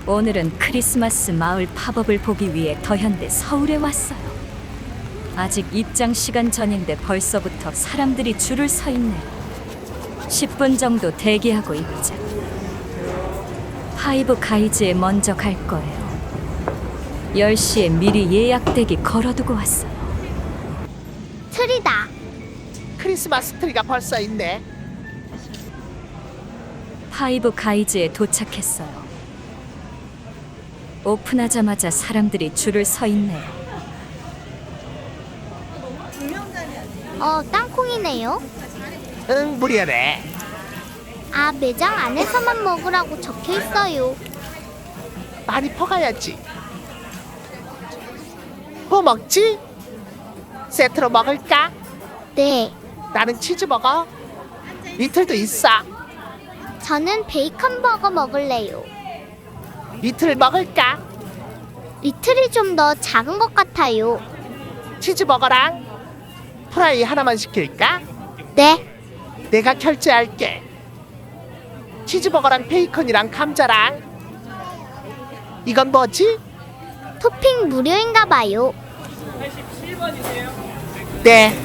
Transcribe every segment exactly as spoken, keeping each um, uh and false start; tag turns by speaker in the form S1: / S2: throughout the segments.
S1: 오늘은 크리스마스 마을 팝업을 보기 위해 더현대 서울에 왔어요. 아직 입장 시간 전인데 벌써부터 사람들이 줄을 서 있네요. 십 분 정도 대기하고 있자. 파이브 가이즈에 먼저 갈 거예요. 열 시에 미리 예약대기 걸어두고 왔어요.
S2: 트리다.
S3: 크리스마스 트리가 벌써 있네.
S1: 파이브 가이즈에 도착했어요. 오픈하자마자 사람들이 줄을 서 있네요.
S2: 어, 땅콩이네요.
S3: 응, 무료래.
S2: 아, 매장 안에서만 먹으라고 적혀 있어요.
S3: 많이 퍼가야지. 뭐 먹지? 세트로 먹을까?
S2: 네,
S3: 나는 치즈 먹어. 리틀도 있어.
S2: 저는 베이컨 버거 먹을래요.
S3: 리틀 먹을까?
S2: 리틀이 좀 더 작은 것 같아요.
S3: 치즈 버거랑 프라이 하나만 시킬까?
S2: 네,
S3: 내가 결제할게. 치즈 버거랑 베이컨이랑 감자랑. 이건 뭐지?
S2: 토핑 무료인가 봐요.
S3: 네.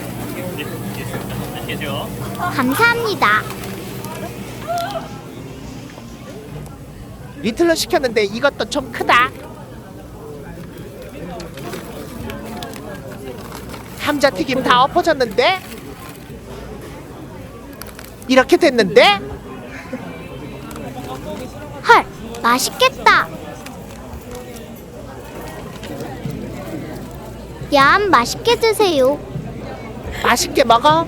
S2: 감사합니다.
S3: 리틀로 시켰는데 이것도 좀 크다. 감자튀김 다 엎어졌는데? 이렇게 됐는데?
S2: 헐, 맛있겠다. 얌, 맛있게 드세요.
S3: 맛있게 먹어.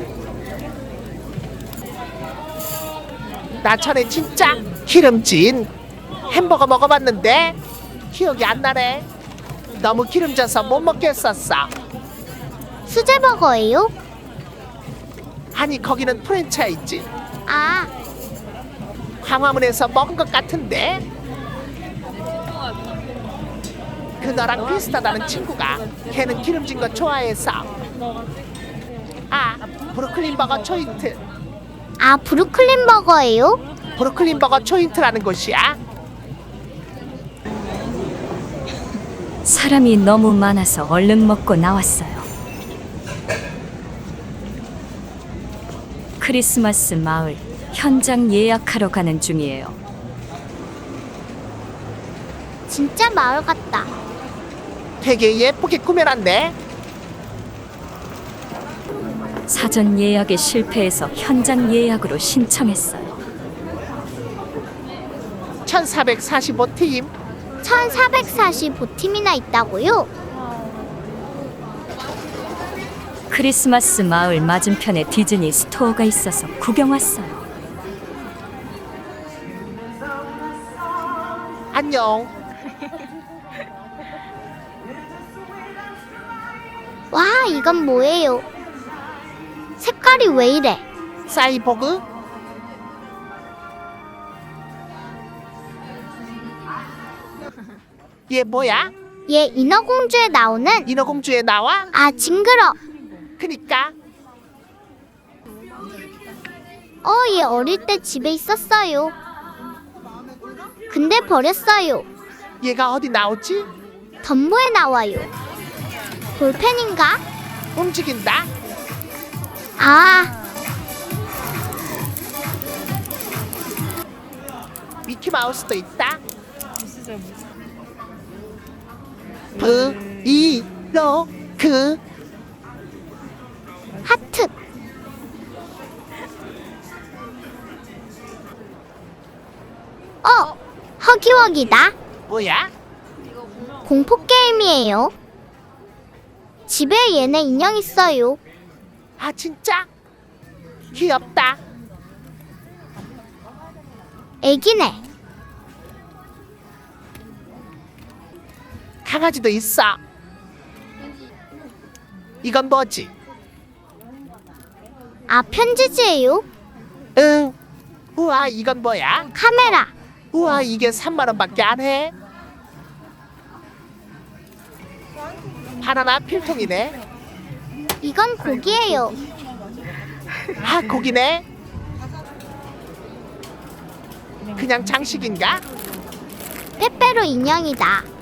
S3: 나 전에 진짜 기름진 햄버거 먹어봤는데 기억이 안 나네. 너무 기름져서 못 먹겠었어.
S2: 수제 버거예요?
S3: 아니 거기는 프랜차이즈.
S2: 아,
S3: 광화문에서 먹은 것 같은데. 그 너랑 비슷하다는 친구가 걔는 기름진 거 좋아해서. 아, 브루클린 버거 초인트.
S2: 아, 브루클린 버거예요?
S3: 브루클린 버거 초인트라는 곳이야.
S1: 사람이 너무 많아서 얼른 먹고 나왔어요. 크리스마스 마을 현장 예약하러 가는 중이에요.
S2: 진짜 마을 같다.
S3: 되게 예쁘게 꾸며놨네.
S1: 사전 예약에 실패해서 현장 예약으로 신청했어요.
S3: 천사백사십오 팀.
S2: 천사백사십오 팀이나 있다고요?
S1: 크리스마스 마을 맞은편에 디즈니 스토어가 있어서 구경 왔어요.
S3: 안녕.
S2: 와, 이건 뭐예요? 색깔이 왜 이래?
S3: 사이보그. 얘 뭐야?
S2: 얘 인어공주에 나오는.
S3: 인어공주에 나와?
S2: 아, 징그러.
S3: 그니까.
S2: 어, 얘 어릴 때 집에 있었어요. 근데 버렸어요.
S3: 얘가 어디 나오지?
S2: 덤보에 나와요. 볼펜인가?
S3: 움직인다.
S2: 아,
S3: 미키마우스도 있다. 브, 이, 로, 그.
S2: 하트. 어, 허기워기다.
S3: 뭐야?
S2: 공포 게임이에요. 집에 얘네 인형 있어요.
S3: 아 진짜? 귀엽다.
S2: 애기네.
S3: 강아지도 있어. 이건 뭐지?
S2: 아, 편지지예요.
S3: 응. 우와 이건 뭐야?
S2: 카메라.
S3: 우와 이게 삼만 원밖에 안 해. 바나나 필통이네.
S2: 이건 고기예요.
S3: 아 고기네. 그냥 장식인가?
S2: 빼빼로 인형이다.